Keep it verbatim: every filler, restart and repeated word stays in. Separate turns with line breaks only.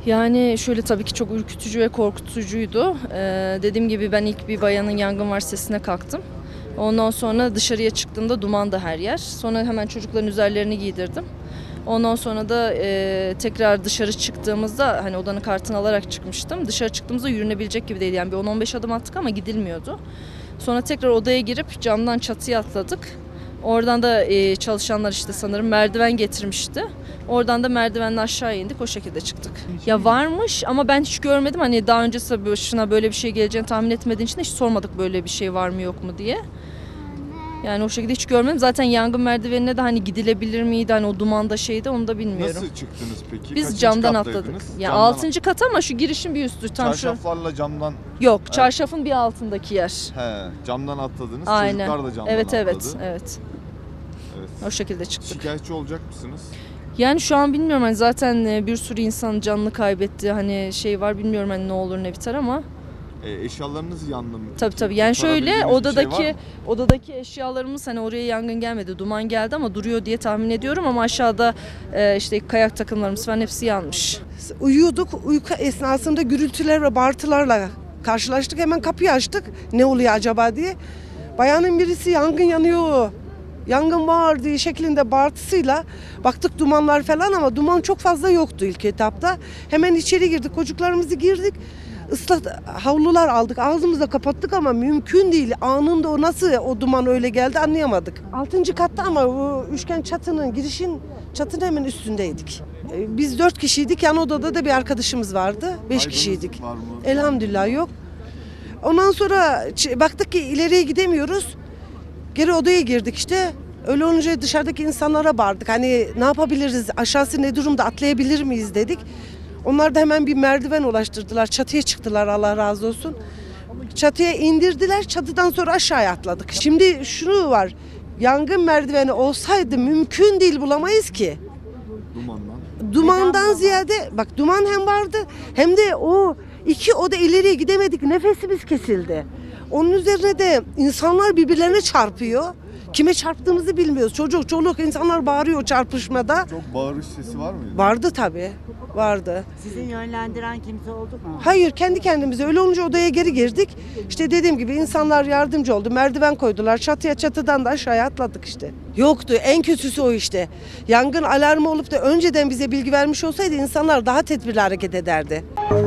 Yani şöyle tabii ki çok ürkütücü ve korkutucuydu. Ee, dediğim gibi ben ilk bir bayanın yangın var sesine kalktım. Ondan sonra dışarıya çıktığımda duman da her yer. Sonra hemen çocukların üzerlerini giydirdim. Ondan sonra da e, tekrar dışarı çıktığımızda hani odanın kartını alarak çıkmıştım. Dışarı çıktığımızda yürünebilecek gibi değil. Yani bir on on beş adım attık ama gidilmiyordu. Sonra tekrar odaya girip camdan çatıya atladık. Oradan da e, çalışanlar işte sanırım merdiven getirmişti. Oradan da merdivenle aşağı indik, o şekilde çıktık. Ya varmış ama ben hiç görmedim. Hani daha öncesi başına böyle bir şey geleceğini tahmin etmediğin için hiç sormadık böyle bir şey var mı yok mu diye. Yani o şekilde hiç görmedim. Zaten yangın merdivenine de hani gidilebilir miydi? Hani o dumanda şeydi onu da bilmiyorum.
Nasıl çıktınız peki?
Biz
Kaçıncı
camdan
kattaydınız?
atladık. Ya
Camdan
altıncı kat ama şu girişin bir üstü tam şu.
Çarşaflarla camdan.
Yok, çarşafın bir altındaki yer.
He, camdan atladınız.
Aynen.
Çocuklar da camdan
Evet
atladı.
evet evet.
Evet.
O şekilde çıktık.
Şikayetçi olacak mısınız?
Yani şu an bilmiyorum hani zaten e, bir sürü insan canını kaybetti. Hani şey var bilmiyorum hani ne olur ne biter ama.
E, eşyalarınız yandı mı?
Tabii tabii. Yani şöyle
Kurtarabildiğiniz bir şey
odadaki
var mı?
odadaki eşyalarımız hani oraya yangın gelmedi, duman geldi ama duruyor diye tahmin ediyorum ama aşağıda e, işte kayak takımlarımız falan hepsi yanmış.
Uyuyorduk. Uyku esnasında gürültüler ve bağırtılarla karşılaştık. Hemen kapıyı açtık. Ne oluyor acaba diye. Bayanın birisi yangın yanıyor, yangın var diye şeklinde bağırtısıyla baktık dumanlar falan ama duman çok fazla yoktu ilk etapta. Hemen içeri girdik. Çocuklarımızı girdik. Islat havlular aldık. Ağzımızla kapattık ama mümkün değil. Anında o nasıl o duman öyle geldi anlayamadık. Altıncı katta ama o üçgen çatının girişin çatının hemen üstündeydik. Ee, Biz dört kişiydik. Yan odada da bir arkadaşımız vardı. Beş
Kaybınız
kişiydik.
var mı?
Elhamdülillah yok. Ondan sonra ç- baktık ki ileriye gidemiyoruz. Geri odaya girdik işte. Öyle olunca dışarıdaki insanlara bağırdık. Hani ne yapabiliriz? Aşağısı ne durumda? Atlayabilir miyiz dedik. Onlar da hemen bir merdiven ulaştırdılar. Çatıya çıktılar Allah razı olsun. Çatıya indirdiler. Çatıdan sonra aşağıya atladık. Şimdi şunu var. Yangın merdiveni olsaydı mümkün değil bulamayız ki.
Dumandan.
Dumandan ziyade bak duman hem vardı hem de o iki oda ileriye gidemedik. Nefesimiz kesildi. Onun üzerine de insanlar birbirlerine çarpıyor. Kime çarptığımızı bilmiyoruz. Çocuk, çoluk insanlar bağırıyor çarpışmada.
Çok bağırış sesi var mıydı?
Vardı tabii. Vardı.
Sizi yönlendiren kimse oldu mu?
Hayır kendi kendimize öyle olunca odaya geri girdik. İşte dediğim gibi insanlar yardımcı oldu. Merdiven koydular. Çatıya çatıdan da aşağıya atladık işte. Yoktu. En kötüsü o işte. Yangın alarmı olup da önceden bize bilgi vermiş olsaydı insanlar daha tedbirli hareket ederdi.